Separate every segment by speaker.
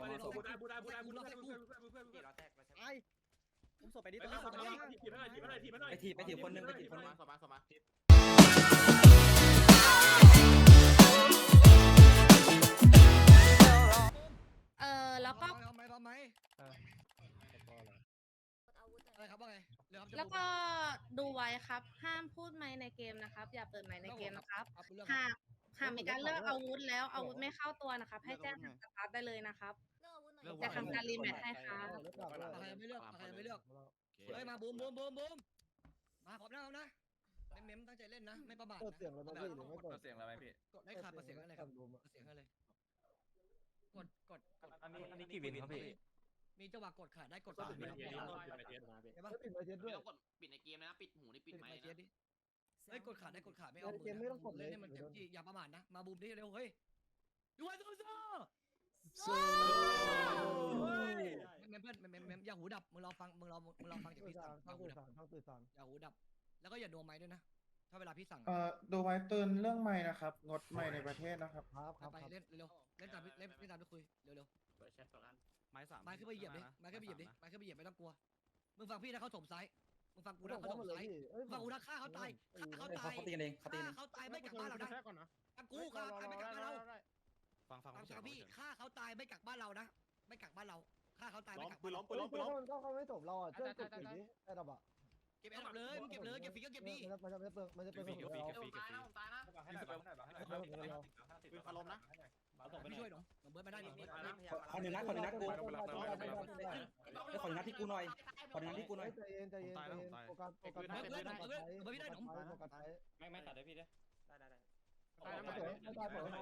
Speaker 1: ไอ้ผมส่งไปดิ
Speaker 2: ไปถีบคนนึง
Speaker 3: แล้วก็
Speaker 1: พร้อมไหมอะไรครับว่าไง
Speaker 3: แล้วก็ดูไว้ครับห้ามพูดไมค์ในเกมนะครับอย่าเปิดไมค์ในเกมนะครับหากมีการเลือกอาวุธแล้วอาวุธไม่เข้าตัวนะครับให้แจ้งทางสตาร์ทได้เลยนะครับจะทำการรีแมทให้ครับ
Speaker 1: ใครไม่เลือกเฮ้ยมาบูมมาพร้อมนะเม้มตั้งใจเล่นนะไม่ประมาท
Speaker 4: เสียงอะไรไม่หรือไม่เปิด
Speaker 2: เสียงอะไรพี่
Speaker 1: กดได้ขาดเสียงอะไรครับเสียงอะไรกด
Speaker 2: อันนี้กี่วินครับพี่
Speaker 1: มีจังหวะกดขาดได้กดขาด
Speaker 4: ปิดไมค์เจ็ดด้วย
Speaker 5: กดปิดในเกมนะปิดหูนี่ปิดไมค์
Speaker 1: ดิเฮ้ยกดขาดได้กดขาดไม่เอามือเล่นให้มันเต็มที่อย่าประมาทนะมาบูมดิเร็วเฮ้ยยูไอซูเมมเพื่อนอย่าหูดับมึงลองฟังจากพี่สั่งอย่าหูดับแล้วก็อย่าโดนไม้ด้วยนะถ้าเวลาพี่สั่ง
Speaker 6: ดูไว้เตือนเรื่องไม้นะครับงดไม้ในประเทศนะครับ
Speaker 1: ไปเล่นเร็วเล่นตามไปคุยเร็ว
Speaker 2: ไม้สาม
Speaker 1: ไม้ขึ้นไปเหยียบดิไม้ขึ้นไปเหยียบไม่ต้องกลัวมึงฟังพี่นะเขาถมซ้ายมึงฟังกูนะเขาถมซ้ายฟังกูนะฆ่าเขาตายเขาตีกันเองเขาตายไม่กักบ้านเรานะฟังกูฆ่าตายไม่กักบ้านเราฟังพี่ฆ่าเขาตายไม่กักบ้านเรานะไม่กักบ้านเราฆ่าเขาตายไม่กักปืนล้ม
Speaker 4: มันก็เขาไม่จบเราอ่ะเจ้ากดปิดนี้ไอ้ดับอ่ะ
Speaker 1: เก็บแอร์เลยมึงเก็บเลยเก็บฟรีก็เก็บดี
Speaker 4: มันจะเปิดมันจะเปิดของเรา
Speaker 5: ตายนะ
Speaker 6: ปืนคารมนะ
Speaker 1: พี่ช่วยหนูเบิร์ดมาได้ดิ
Speaker 2: คนหนึ่งนัดกูคนนัดที่กูหน่อยคนนัดที่กูหน่อย
Speaker 4: ใจเย็นโฟกัส
Speaker 1: เบิร์ดพี่ได้หนู
Speaker 4: โฟกัสท้าย
Speaker 2: ไม่ตัดได้พี่ได้
Speaker 4: ไม่ตายเปิด
Speaker 1: ฟัง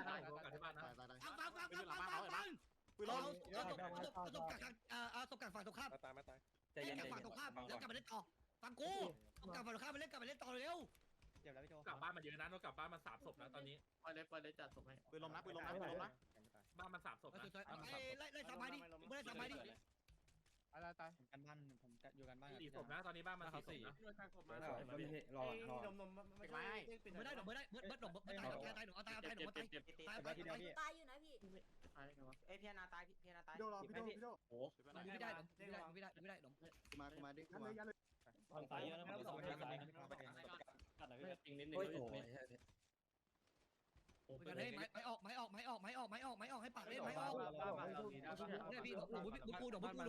Speaker 1: เอาตบกักฝั่งตรงข้าม
Speaker 2: ใจเย็น
Speaker 1: ฝั่งตรงข้ามแล้วกลับมาเล่นต่อฟังกูตบกักฝั่งตรงข้ามมาเล่นต่อเร็ว
Speaker 7: กลับบ้านมาเยอะนะเรากลับบ้านมา3 ศพแล้วตอนนี้
Speaker 5: ไปเลยจัดส่งให้
Speaker 6: ปืนลมนะ
Speaker 7: บ้านมา3 ศพนะ
Speaker 1: ไล่สามไม้ดิไม่ได้สามไม้ดิ
Speaker 2: อะไรตายกันบ้านผมอยู่กันบ้าน
Speaker 7: 4 ศพนะตอนนี้บ้านมา4 ศพนะ
Speaker 2: รอ
Speaker 1: ไม่ได้หนูไม่ได้เบิร์ดหนูตายหนูเอาตายตายอยู่นะพี่
Speaker 5: พี่นาตาย
Speaker 4: โดนพี่โด
Speaker 1: โอ้ไม่ได้หนู
Speaker 4: มาดิ
Speaker 2: ตายเยอะนะผมกัดหน่อยจริงนิดนึง
Speaker 1: กันให้ไม้ออกให้ปากเล่นไม้ออกเนี่ยพี่หนูกู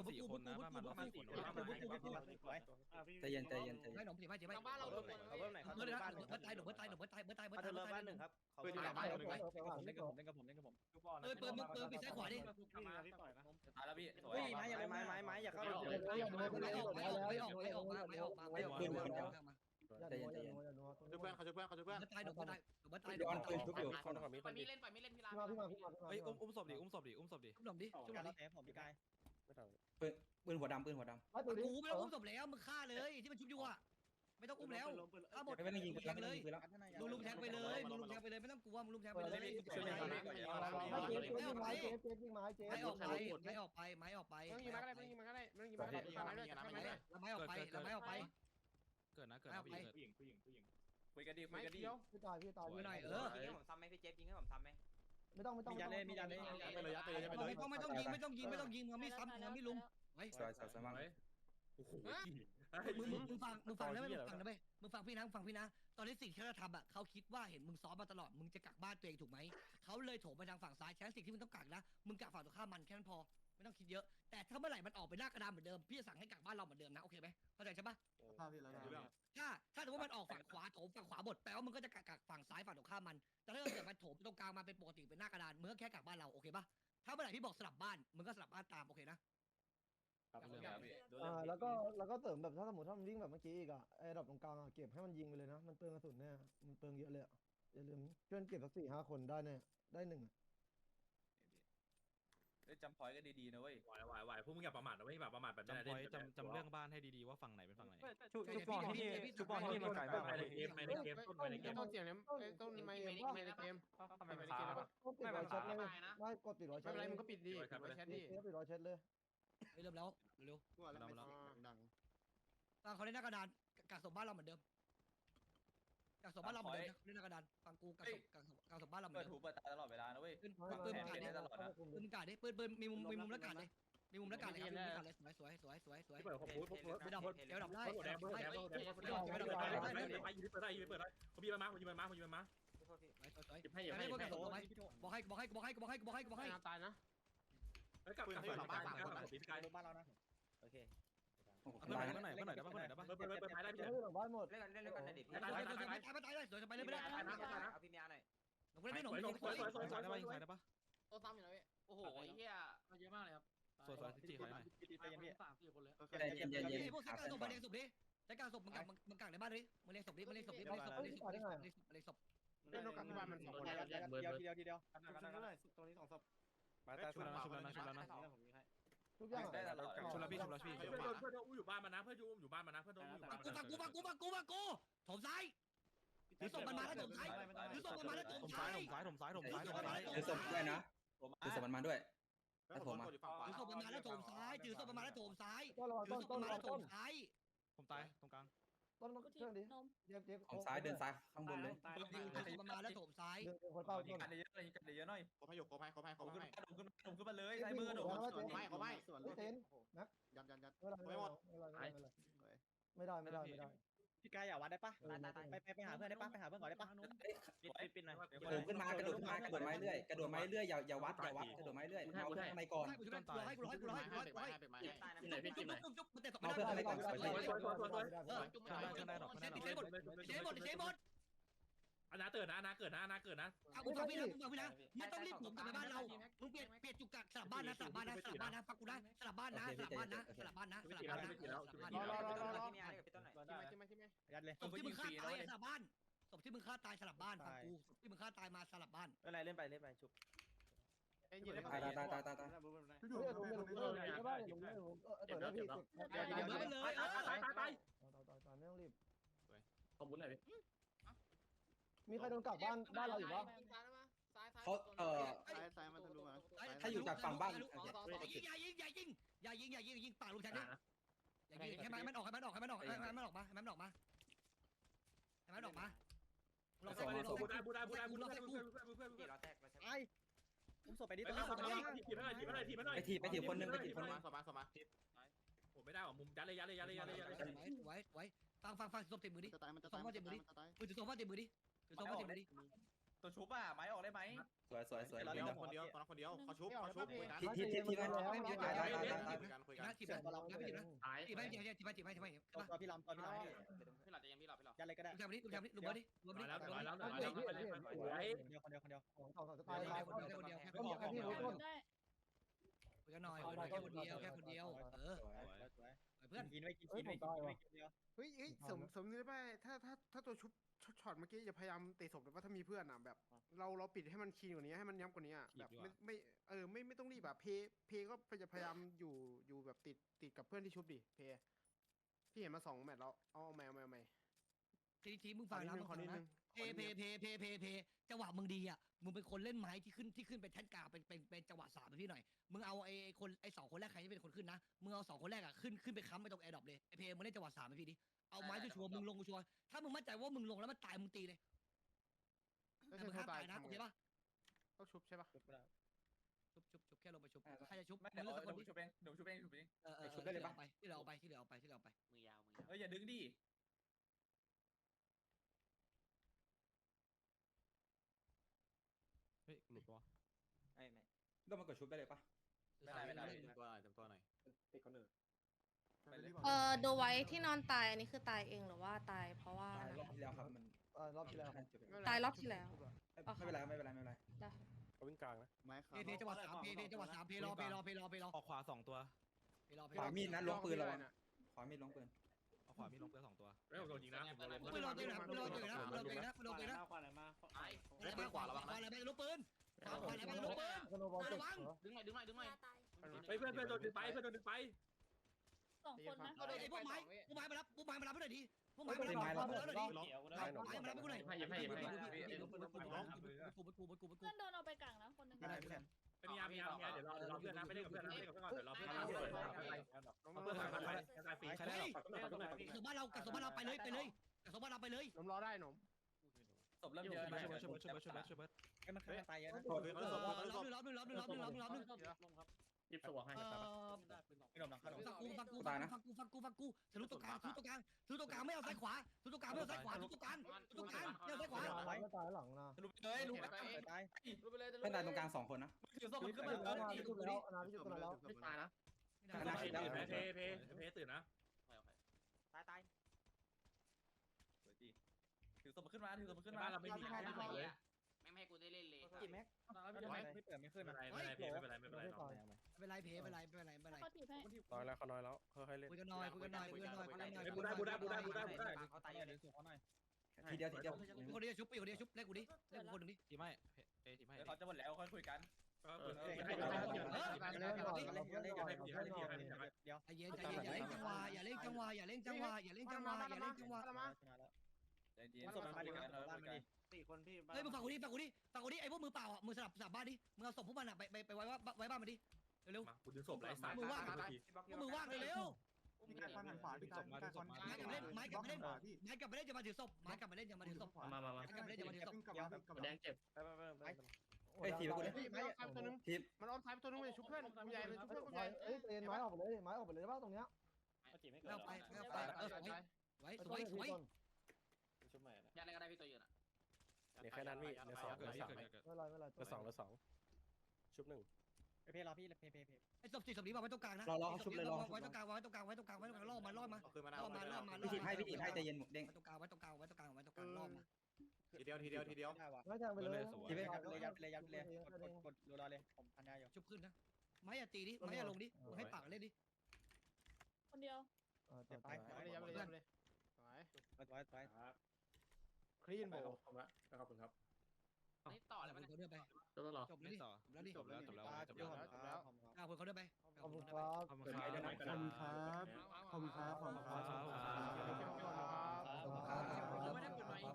Speaker 2: ใจเย็น
Speaker 1: ให้หนูผีไม่
Speaker 5: บ้านเราโดน
Speaker 1: เบิร์ดตายหนึ่งครับ
Speaker 6: ปืนอยู่หลังบ้าน
Speaker 2: เล่นกับผม
Speaker 1: ปืนปิดซ้ายขวาดิ
Speaker 2: ตายแล้วพี่
Speaker 8: ไม้อย่าเข้า
Speaker 1: ไม่ออกมา
Speaker 2: ใจเย็น
Speaker 6: ช่วยเพื่อนเขาช่วยเพื่อน
Speaker 1: ตายหนูตาย
Speaker 2: ย้อนปืนทุบอยู่
Speaker 5: ไปมีเล่นพี่ลา
Speaker 2: อุ้มศพดิ
Speaker 1: ชุบหนุ่มดิชุบหนุ่มดิ
Speaker 8: ผมพี่กาย
Speaker 2: ปืนหัวดำ
Speaker 1: กูไม่ต้องอุ้มศพแล้วมึงฆ่าเลยที่มันชุบอยู่อ่ะไม่ต้องอุ้มแล้วฆ่าหมด
Speaker 2: ไม่ต้องยิงปืนเลย
Speaker 1: ลุมแทงไปเลยไม่ต้องกลัวมึงลุมแทงไปเลยไม่ออกไปไม้ออกไป
Speaker 8: ยิงมาก็ได้ยิงมาก็ได้ยิงมาก็ได้ยิงมาก็ได้
Speaker 1: แล้วไม้ออกไป
Speaker 7: เกิดนะผู้หญิง
Speaker 2: คุยกันดี
Speaker 8: ไม้เขียว
Speaker 4: พี่ตาย
Speaker 5: ยิงให้ผมซ้ำไหมพี่เจฟยิงให้ผมซ้ำไหม
Speaker 4: ไม่ต้อง
Speaker 8: มียาเล่
Speaker 1: ไม่ต้องยิงไม่ซ้ำไม่ลุมไว้
Speaker 2: สวยมาก
Speaker 7: โอ้โห
Speaker 1: มึงฟังแล้วมึงฟังพี่นะตอนนี้สิ่งที่เราทำอ่ะเขาคิดว่าเห็นมึงซ้อมมาตลอดมึงจะกักบ้านตัวเองถูกไหมเขาเลยโถมไปทางฝั่งซ้ายแค่สิ่งที่มึงต้องกักนะมึงกักฝั่งตรงข้ามมันแค่นั้นพอไม่ต้องคิดเยอะแต่ถ้าเมื่อไหร่มันออกไปหน้ากระดานเหมือนเดิมพี่จะสั่งให้กักบ้านเราเหมือนเดิมนะโอเคไหมเข้าใจใช่ปะถ้าสมมติมันออกฝั่งขวาโถมฝั่งขวาหมดแปลว่ามึงก็จะกักฝั่งซ้ายฝั่งตรงข้ามมันแต่ถ้าเกิดมันโถมตรงกลางมาเป็นปกติเป็นหน้ากระดานมึงก็แค่กักบ้านเราโอเคปะถ้าเมื่อไหร่พี่บอกสลับบ้านมึงก็สลับบ้านตามโอเคนะ
Speaker 4: แล้วก็เสริมแบบถ้าสมมติถ้ามันวิ่งแบบเมื่อกี้อีกอ่ะไอ้ดับตรงกลางอ่ะเก็บให้มันยิงไปเลยนะมันเปลืองกระสุนแน่มันเปลืองเยอะเลยอย่าลืมเพื่อนเก็บสัก4-5 คนได้แน่ได้1
Speaker 2: จำพอยก็ดีๆนะเว้ย
Speaker 7: ไหวพวกมึงอย่าประมาทนะไม่แบบประมาทแบบนี้
Speaker 9: จำเรื่องบ้านให้ดีๆว่าฝั่งไหนเป็นฝั่งไหน
Speaker 8: ชุบปอนที่มันไก่มาก
Speaker 7: ในเกมต้นในเกม
Speaker 8: ต้นเสียงเนี่ยต้นไม่ในเกมทำไมไม่ในเกม
Speaker 4: ก็ปิดร้อยเช็ดเลยไม่กดปิดร้อย
Speaker 8: ไม่
Speaker 4: เช็ด
Speaker 8: เป็นไรมึงก็ปิดดีแชทดิ
Speaker 4: ปิดร้อยเช็ดเลย
Speaker 1: เริ่มแล้วเร็วเขาเล่นหน้ากระดานกักศพบ้านเราเหมือนเดิมกักศพบ้านเราเหมือนเดิมเล่นหน้ากระดานฟังกูกักศพบ้านเราเหมือน
Speaker 2: เปิด
Speaker 1: เดิ
Speaker 2: หู
Speaker 1: ม
Speaker 2: เปิดตาตลอดเวลานะเว้ย
Speaker 1: ปืนมึงกาดดิปืนมึงกาดดิปืนมีมุมแล้วกาดเลยมีมุมแล้วกาดเลยครับมีมุมแล้วกาดเลยสวย
Speaker 7: ที่เปิดผมพูดผม
Speaker 1: ไม่ดับเดี๋ยวดับได้
Speaker 7: แดงแดงแดงแดงไปยืนเปิดได้ยืนเปิดได้ผมยิงมาผมยิงมาผมยิงมา
Speaker 1: หยิบให้บอกให้
Speaker 8: ตายนะ
Speaker 7: แล้วกลับฝั่งบ้านตีสกาย
Speaker 9: บ้านเรานะ
Speaker 5: โอเค
Speaker 9: เพื่อนไหนได้ปะเปิดท้ายได้
Speaker 4: เฮ้ยหลังบ้านหมด
Speaker 5: เล่นกันนะดิ
Speaker 1: ตายเลยสวยไปเลยไม่ได้
Speaker 5: เอาพี่เมียหน่อย
Speaker 1: หนุ่มเล่นไม่หนุ่ม
Speaker 9: ได้ปะยิงซ้ายได้ปะ
Speaker 8: ตัวซ้ำอยู่นะพี่โอ้โหเฮียมาเยอะมากเลยครับ
Speaker 9: สวยจีขอหน่อย
Speaker 8: 3-4 คนเลย
Speaker 1: พวกใช้การศพมาเลี้ยงศพดิใช้การศพมึงกักในบ้านดิมึงเลี้ยงศพดิมึงเลี้ยงศพดิมึงเลี้ยงศพ
Speaker 8: เล่นนกกับที่บ้านมัน2 คนแล้ว
Speaker 9: ทีเดียว
Speaker 8: ตรงนี้2 ศพ
Speaker 9: มาตาชุบแล้วนะ
Speaker 4: ทุกอย่าง
Speaker 9: ชุบแล้วพี่
Speaker 7: เพื่อนอุ้มอยู่บ้านมานะเพื่อนอุ้มอยู่บ้านมานะเพื่อนอุ้มอยู่บ้าน
Speaker 1: กูถมซ้ายถือศพมันมาแล้วถมซ้ายถือศพมันมาแล้วถมซ้าย
Speaker 9: ถมซ้าย
Speaker 5: ถือศพด้วยนะถือศพมันมาด้วย
Speaker 1: ถือศพมันมาแล้วถมซ้ายถือศพมันมาแล้วถมซ้าย
Speaker 4: ต้นระวัง
Speaker 1: ถือศพ
Speaker 4: ต้
Speaker 1: มัน นมาแล้วถ
Speaker 4: ต้น
Speaker 1: มซ้าย
Speaker 9: ผมตายตรงกลาง
Speaker 4: ต้นเครื่องดิเจ็บ
Speaker 5: ของซ้ายเดินซ้ายข้างบนเลย
Speaker 1: ถือศพมันมาแล้วถมซ้าย
Speaker 4: เดินคนเป้าต้น
Speaker 9: เยอะหน่อย
Speaker 8: ขอให้ขอให้
Speaker 9: ผมขึ้นมาเลยใส่มือโดด
Speaker 4: ไม่เต้นนัก
Speaker 8: ยัน
Speaker 4: ไม่หมดไม่ได้
Speaker 9: พี่กายอย่าวัดได้ปะไปหาเพื่อนได้ปะไปหาเพื่อนก่อนได้ปะปิดหน่อย
Speaker 5: โผล่ขึ้นมากระโดดไม้เรื่อยกระโดดไม้เรื่อยอย่าวัดกระโดดไม้เรื่อยเอาเพื่อนข้างในก่อน
Speaker 1: ให้กูมันเตะศพไม่ได้
Speaker 5: เอาเพื่อนข้างในก่อน
Speaker 7: อนาเกิดนะอนาเกิดนะ
Speaker 1: เอาฟังพี่นะไม่ต้องรีบผมกลับไปบ้านเรามึงเปลี่ยนจุกกักสลับบ้านนะฟังกูนะสลับบ้านนะ
Speaker 9: ยัดเลย
Speaker 1: ศพที่มึงฆ่าตายสลับบ้านศพที่มึงฆ่าตายสลับบ้านฟังกูศพที่มึงฆ่าตายมาสลับบ้าน
Speaker 9: อะไรเล่นไปชุบ
Speaker 5: ตาย
Speaker 4: ไม่ได้พี่
Speaker 7: ตาย
Speaker 4: ไม่ต้องรีบ
Speaker 7: ขอบคุณหน่อย
Speaker 4: มีใครโดนกลับบ้านเราอยู่ปะ
Speaker 5: เขา
Speaker 8: ซ้ายมันทะลุมา
Speaker 5: ถ้าอยู่จากฝั่งบ้าน
Speaker 1: อย่ายิงปากลูกฉันดิอย่ายิงให้มันออกมาลอง
Speaker 7: ส่งผมส่งไปดิไปถีบคนนึง
Speaker 8: สมา
Speaker 7: ผมไม่ได้หรอมุมยัดเลย
Speaker 1: ไว้ฟังศพเต็มมือดิ
Speaker 8: จะตายมัน
Speaker 1: ถือศพว่าเต็มมือดิ
Speaker 9: ตัวชุบอ่ะไม้ออกได้ไหม
Speaker 5: สวย
Speaker 8: คนเดียวเขาชุบคุยกัน
Speaker 5: ทีกัน
Speaker 1: ถีบไป
Speaker 9: ตัวพี่ลำยัดเลยก็ได้
Speaker 1: ลุงแทมลุงดิ
Speaker 7: แล้ว
Speaker 9: คนเดียว
Speaker 4: สองตายตายคนเดียวพี่รู้ต้น
Speaker 1: คุยกันหน่อยแค่คนเดียวเพื่อน
Speaker 9: กินไม่กินเดียว
Speaker 8: เฮ้ยสมนึกได้ถ้าตัวชุบช็อตเมื่อกี้อย่าพยายามเตะศพเลยว่าถ้ามีเพื่อนอ่ะแบบเราปิดให้มันคีนกว่านี้ให้มันย้ำกว่านี้อ่ะแบบไม่ต้องรีบแบบเพก็จะพยายามอยู่แบบติดกับเพื่อนที่ชุบดิเพพี่เห็นมา2 แมตช์แล้วเอาใหม่
Speaker 1: ทีมึงฟังนะเพจังหวะมึงดีอ่ะมึงเป็นคนเล่นไม้ที่ขึ้นเป็นแท่นกลางเป็นจังหวะ3พี่หน่อยมึงเอาไอ้2 คนแรกใครที่เป็นคนขึ้นนะมึงเอา2 คนแรกอ่ะขึ้นไปค้ำไปตรงแอร์ดรอปเลยไอ้เพมึงเล่นจังหวะ3พี่ดิเอาไม้ชัวร์มึงลงชัวร์ถ้ามึงมั่นใจว่ามึงลงแล้วมันตายมึงตีเลยแต่มึงห้ามตายนะโอเคปะ
Speaker 8: ต้องชุบใช่ปะ
Speaker 1: ชุบแค่ลงไปชุบใครจะชุบมึงเลือกสักคนดิ
Speaker 9: ชุบเองชุบเอง
Speaker 1: ชุบได้เลยปะที่เราเอาไป
Speaker 9: มือยาวอย่าดึงดิเฮ้ยหลุดตัว
Speaker 5: ก็มากดชุบได้เลยปะ
Speaker 9: ไม่ได้ตัวหน่อย
Speaker 8: ติดคนอื่น
Speaker 3: ดูไว้ที่นอนตายอันนี้คือตายเองหรือว่าตายเพราะว่า
Speaker 5: รอบที่แล้วครับมัน
Speaker 4: รอบที่แล้ว
Speaker 3: ตายรอบที่แล้ว
Speaker 5: ไม่เป็นไร
Speaker 8: เขาวิ่งกลางนะไม้ขา
Speaker 1: เพจังหวะ3เพรอ
Speaker 9: ออกขวา2ตัว
Speaker 5: ขวามีดนะล้วงปืนเราขวามีดล้วงปืน
Speaker 9: ออกขวามีลงเพื่อ2ตัว
Speaker 7: ไม่ผมโดนยิงนะ
Speaker 1: ปืนรอปืนนะปืนรอปืนนะปืนรอปืนนะปืนรอปืนนะ
Speaker 2: ขวาไหนมา
Speaker 1: ขวาอะไรไปลูกปืนขวาอะไรไปลูกปืน
Speaker 4: สโนบอลเจ็บ
Speaker 8: ดึงหน่อย
Speaker 7: เพื่อนโดนดึงไป
Speaker 3: 2 คนนะ
Speaker 1: ไอ้พวกไม้มารับให้หน่อยดิพวกไม้มารับให้หน่อยดิ
Speaker 2: เขียว
Speaker 1: ไม้มารับให้กูหน่อย
Speaker 3: เพื่อนโดนเอาไปกลางนะคนนึง
Speaker 7: มียาเดี๋ยวรอเพื่อนนะไม่ได้กับเพื่อนนะไม่ได้กับเพื่อนก่อนเดี๋ยวรอเพื่อนนะเพื่อนตายฟรีใครได้
Speaker 1: สมบ้านเรากับสมบ้านเราไปเลยกับสมบ้านเราไปเลย
Speaker 8: นมรอได้นม
Speaker 9: ศพเริ่มเยอะช่วยไอ้มันฆ่าตายเยอะนะ
Speaker 1: ล้อมหนึ่งล้อมหนึ่งล้อมหนึ่งล้อมหนึ่งล้อมหนึ่งล้อมหนึ่ง
Speaker 7: หยิบสวงให้
Speaker 9: ไม่โดนหลังเข้า
Speaker 1: ฟังกูทะลุตรงกลางไม่เอาซ้ายขวาทะลุตรงกลางไม่เอาซ้ายขวาทะลุตรงกลางไม่เอาซ้ายขวา
Speaker 4: ไม่ตายหลังนะ
Speaker 9: ลุกเลยลุกตาย
Speaker 5: เพื่อนตายตรงกลาง2คนนะ
Speaker 7: ถือศพขึ้น
Speaker 4: มา
Speaker 7: มา
Speaker 4: แล้วมาพิจุดแล้วนาพิจุดแล้ว
Speaker 7: ไม่ตายนะ เพตื่นนะ
Speaker 9: ตายถือศพขึ้นมาถือศพขึ้นมา
Speaker 7: บ้านเราไม่มีใครเลย
Speaker 2: ไม่ให้กูได้เล่นเลย
Speaker 9: กี่แม็กไม่เปิดไม่ขึ้น
Speaker 7: ไม่
Speaker 9: นะ
Speaker 7: เป็นไรไม่เป็นไรไม่เป็นไร
Speaker 1: เป็นไรเพเป็นไร
Speaker 3: เขาถีบให้
Speaker 6: น้อยแล้วเขาน้อยแล้วค่อยๆเล่น
Speaker 1: คุยกันหน่อย
Speaker 7: บูได้
Speaker 9: เขาตายเดี๋ยวสูเขาหน่อย
Speaker 5: ทีเดียว
Speaker 1: คนเดียวชุบคนเดียวชุบเล่นกูดิเล่นคนหนึ่งดิ
Speaker 6: ทีไม่ทีไม่
Speaker 9: เขาจะหมดแล้วค่อยคุยกัน
Speaker 3: เขาถีบให้
Speaker 9: เดี๋ยว
Speaker 1: ใจเย็นอย่าเล่นจังหวะอย่าเล่นจังหวะอย่าเล่นจังหวะอย่าเล่นจังหวะอย่าเล่นจังหวะ
Speaker 9: ศพมาดิบ้านมาดิ
Speaker 6: 4 คนพี่
Speaker 1: เฮ้ยมึงฟังกูดิไอ้พวกมือเปล่าอ่ะมือสลับบ้านดิมึงเอาศพพวกมันอ่ะไปไว้บ้านมาดิเร็ว
Speaker 7: มากูดึงศพไร้สาย
Speaker 1: มือว่างเร็ว
Speaker 6: พี่การหันขวาพี่การ
Speaker 1: ไม้กลับมาเล่นจะมาถือศพไม้กลับมาเล่นจะมาถือศพ
Speaker 7: มา
Speaker 1: ไม้กลับมาเล่นจะมาถือศพ
Speaker 7: แดงเจ็บ
Speaker 5: เฮ้ยทีไปกูเลย
Speaker 8: ตัวนึง
Speaker 5: ที
Speaker 8: มันอ้อมซ้ายตัวนึงเลยชุบเพื่อนใหญ่เลยชุบเพื่อน
Speaker 4: ไม้เอ้ยเตนไม้ออกไปเลยไม้ออกไปเลยว่าตรงเนี้ย
Speaker 1: ไม่เอาไปไว้สวย
Speaker 6: ชุบใหม่
Speaker 2: ยัดอะไรก็ได้พี่ตัวยืนอ่ะ
Speaker 6: เดี๋ยวแค่นั้นพี่เดี๋ยว2
Speaker 4: ไม่เป็นไร
Speaker 6: เดี๋ยว2ชุบ1
Speaker 9: เพย์รอพี่เพย์
Speaker 1: ไอ้ศพนี้มาไว้ตรงกลางนะไว้ตรงกลางล่อมา
Speaker 5: พี่ทีให้ใจเย็นหมดเด้ง
Speaker 1: ไว้ตรงกลางล่อมา
Speaker 6: ทีเดียว
Speaker 4: ไม่แทงไปเลย
Speaker 5: ทีไป
Speaker 9: เลยกดรอเลยผมพันยาอยู่
Speaker 1: ชุบขึ้นนะไม้อย่าตีดิไม้อย่าลงดิให้ปากเล่นดิ
Speaker 3: คนเดียว
Speaker 9: ไป
Speaker 8: ยับเลยคลีนโบ
Speaker 7: ขอบคุณครับ
Speaker 2: นี่ต่อเลยมัน
Speaker 1: เขาเดินไป
Speaker 7: จบแล้วหรอ
Speaker 1: จบแล้วดิแล้วดิ
Speaker 6: จบแล้ว
Speaker 1: เอาคนเขาเดินไป
Speaker 4: ขอบคุณครับ
Speaker 6: ขอบคุณครับขอบคุณครับ
Speaker 2: ไม่ได้เปิดไมค์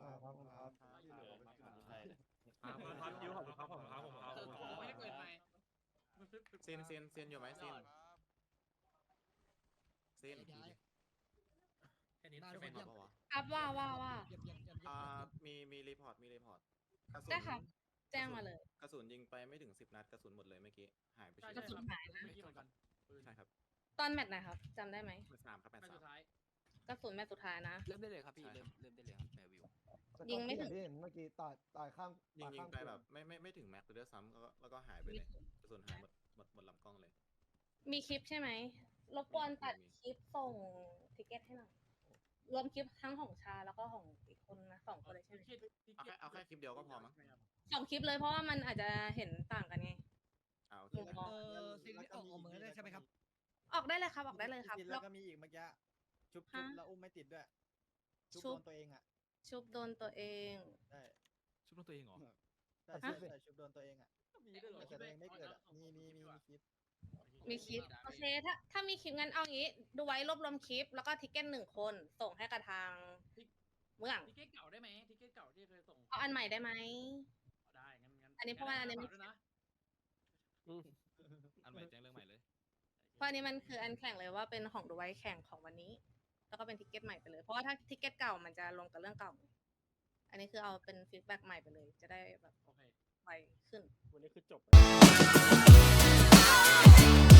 Speaker 7: ครับยูขอบคุณครับ
Speaker 2: ไม่ได้เปิดไมค์
Speaker 6: เซียนอยู่ไหมเซียน
Speaker 7: แค่นี้
Speaker 1: ได้ทุกคนเยี่ยม
Speaker 3: ครับว่า
Speaker 1: เยี่ยม
Speaker 6: มีรีพอร์ต
Speaker 3: ได้ครับ แจ้งมาเลย
Speaker 6: กระสุนยิงไปไม่ถึง10 นัดกระสุนหมดเลยเมื่อกี้หายไป
Speaker 3: กระสุนหายนะ
Speaker 6: ใช่ครับ
Speaker 3: ตอนแมตช์ไหนครับจำได้ไหม
Speaker 6: เบอร์3ครับ
Speaker 2: ไม่สุดท้าย
Speaker 3: กระสุนแมตช์สุดท้ายนะ
Speaker 2: เริ่มได้เลยครับพี่เริ่มได้เลยครับแมววิว
Speaker 3: ยิงไม่ถึง
Speaker 4: ที่เห็นเมื่อกี้ตายข้าง
Speaker 6: ยิงไปแบบไม่ถึงแม็กซ์เลยซ้ำแล้วก็หายไปเลยกระสุนหายหมดลำกล้องเลย
Speaker 3: มีคลิปใช่ไหมรบกวนตัดคลิปส่งทิเก็ตให้หน่อยรวมคลิปทั้งของชาแล้วก็ของอีกคนนะ2 คนเลยใช่ไหม
Speaker 6: เอาแค่คลิปเดียวก็พอมั้ง
Speaker 3: 2 คลิปเลยเพราะว่ามันอาจจะเห็นต่างกันไง
Speaker 6: เอาโอเค
Speaker 1: สิ่งที่ออกเหมือนได้ใช่ไหมครับ
Speaker 3: ออกได้เลยครับ
Speaker 9: แล้วก็มีอีกเมื่อกี้ชุบแล้วอุ้มไม่ติดด้วยชุบโดนตัวเองอ่ะ
Speaker 3: ชุบโดนตัวเอง
Speaker 9: ได้
Speaker 6: ชุบตัวเองเหรอ
Speaker 9: แต่ชุบโดนตัวเองอ่ะแต่ตัวเองไม่เกิดอ่ะมีคลิป
Speaker 3: มีคลิปโอเคถ้ามีคลิปงั้นเอางี้ดูไว้รวบรวมคลิปแล้วก็ทิเก็ต1 คนส่งให้กับทางเมือง
Speaker 2: ทิเก็ตเก่าได้ไหมทิเก็ตเก่าที่เคยส่ง
Speaker 3: เอาอันใหม่ได้ไหม
Speaker 2: ได้งั้น
Speaker 3: อันนี้เพราะว่าอันนี้
Speaker 2: ด้วยนะ
Speaker 6: อันใหม่แจ้งเรื่องใหม่เลย
Speaker 3: เพราะอันนี้มันคืออันแข่งเลยว่าเป็นของดูไว้แข่งของวันนี้ แล้วก็เป็นทิเก็ตใหม่ไปเลยเพราะว่าถ้าทิเก็ตเก่ามันจะลงกับเรื่องเก่า อันนี้คือเอาเป็นฟีดแบ็กใหม่ไปเลย จะได้แบบ
Speaker 2: โอเค
Speaker 3: ไวขึ้น
Speaker 6: วันนี้คือจบ